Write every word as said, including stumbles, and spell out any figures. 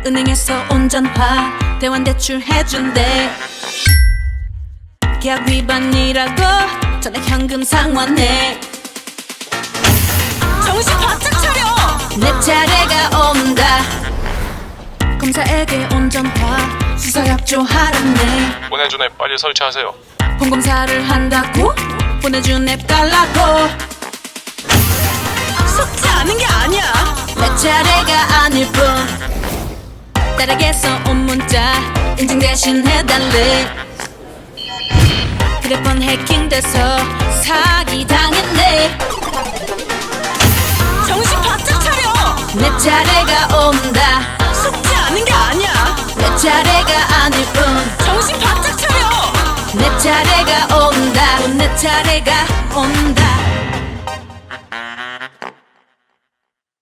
은행에서 온전화 대환대출 해준대. 계약 위반이라고 전액 현금 상환해. 정신 바짝 차려! 내 차례가 온다. 검사에게 온전화 수사 협조하라네. 보내준 앱 빨리 설치하세요. 본검사를 한다고 보내준 앱 달라고. 속지 않은 게 아니야. 내 차례가 아닐 뿐 딸에게서 온 문자 인증 대신 해달래. 휴대폰 해킹돼서 사기 당했네. 정신 바짝 차려! 내 차례가 온다. 속지 않은 게 아니야. 내 차례가 아닐 뿐 정신 바짝 차려! 내 차례가 온다. 내 차례가 온다.